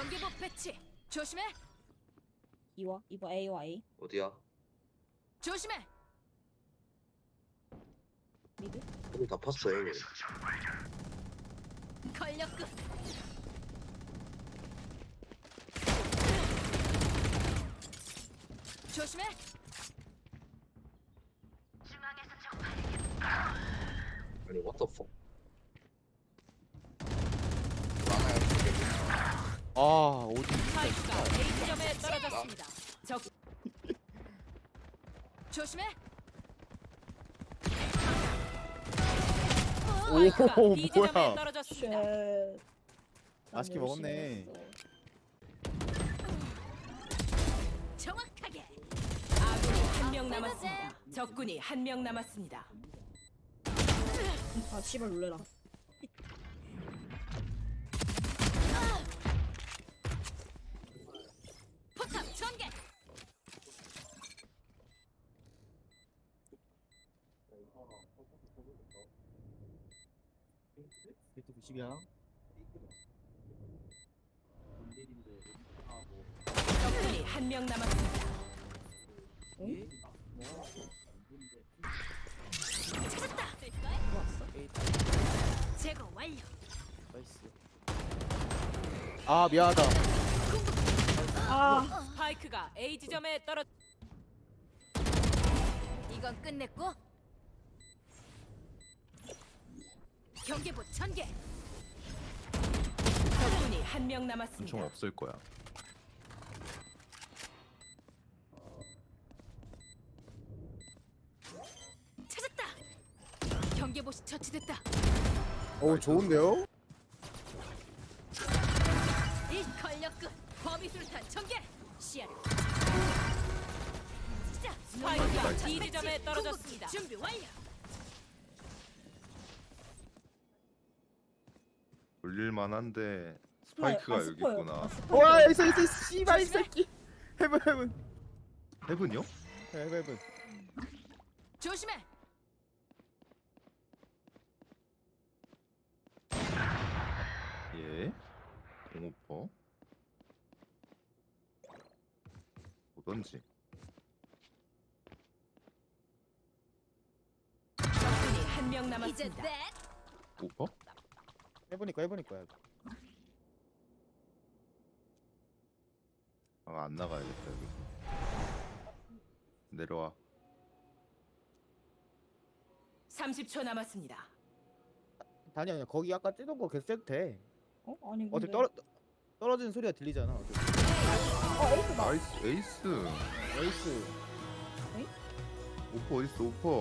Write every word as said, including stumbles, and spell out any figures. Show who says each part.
Speaker 1: 경계복 배치. 조심해.
Speaker 2: 이와 이봐 A와 A
Speaker 3: 어디야?
Speaker 1: 조심해.
Speaker 2: 미드.
Speaker 3: 형다 팠어 형님.
Speaker 1: 권력급. 조심해.
Speaker 3: 아니 what the fuck?
Speaker 4: 아 어디
Speaker 1: 파이크가 A 지점에 떨어졌습니다. 적. 조심해. 파이크가
Speaker 4: 오,
Speaker 1: B 지점에
Speaker 4: 뭐야.
Speaker 1: 떨어졌습니다.
Speaker 2: 쉣.
Speaker 4: 맛있게
Speaker 2: 난 열심히
Speaker 4: 먹었네.
Speaker 2: 했어.
Speaker 1: 정확하게. 아군이 한 명 남았습니다. 적군이 한 명 남았습니다.
Speaker 2: 아 씨발 놀래라.
Speaker 1: 포탑 전개.
Speaker 4: 구십이야.
Speaker 1: 적군이 한 명 남았습니다. 찾았다.
Speaker 2: 들어왔어?
Speaker 1: 제거 완료.
Speaker 4: 나이스. 아 미안하다.
Speaker 2: 아
Speaker 1: 스파이크가 A 지점에 떨어. 이건 끝냈고. 경계부 전개. 적군이 한 명 남았습니다.
Speaker 5: 엄청 없을 거야.
Speaker 1: 찾았다. 경계봇이 처치됐다.
Speaker 4: 오 좋은데요?
Speaker 1: 이 권력급 범위술탄 전개. 시야를. 자, 스파이크가 B 지점에 떨어졌습니다. 준비 완료.
Speaker 5: 돌릴만한데 스파이크가
Speaker 2: 아,
Speaker 5: 여기
Speaker 2: 스포요.
Speaker 5: 있구나.
Speaker 2: 아, 스포요.
Speaker 4: 와 있어 있어 씨발 이 새끼. 헤븐 헤븐.
Speaker 5: 헤븐이요?
Speaker 4: 헤븐 헤븐.
Speaker 1: 조심해.
Speaker 5: 예. 공오퍼. 오던지.
Speaker 1: 적군이 한 명 남았습니다.
Speaker 5: 오퍼?
Speaker 4: 해보니까 해보니까.
Speaker 5: 아, 안 나가야겠다 여기. 내려와.
Speaker 1: 삼십 초 남았습니다.
Speaker 4: 단이 아니야. 거기 아까 찌던 거 계속 째도 돼.
Speaker 2: 어? 아니 근데
Speaker 4: 어차피 떨어 떨어지는 소리가 들리잖아. 어차피.
Speaker 2: 어 에이스다.
Speaker 5: 나이스 에이스.
Speaker 4: 에이스.
Speaker 5: 오퍼 어딨어 오퍼.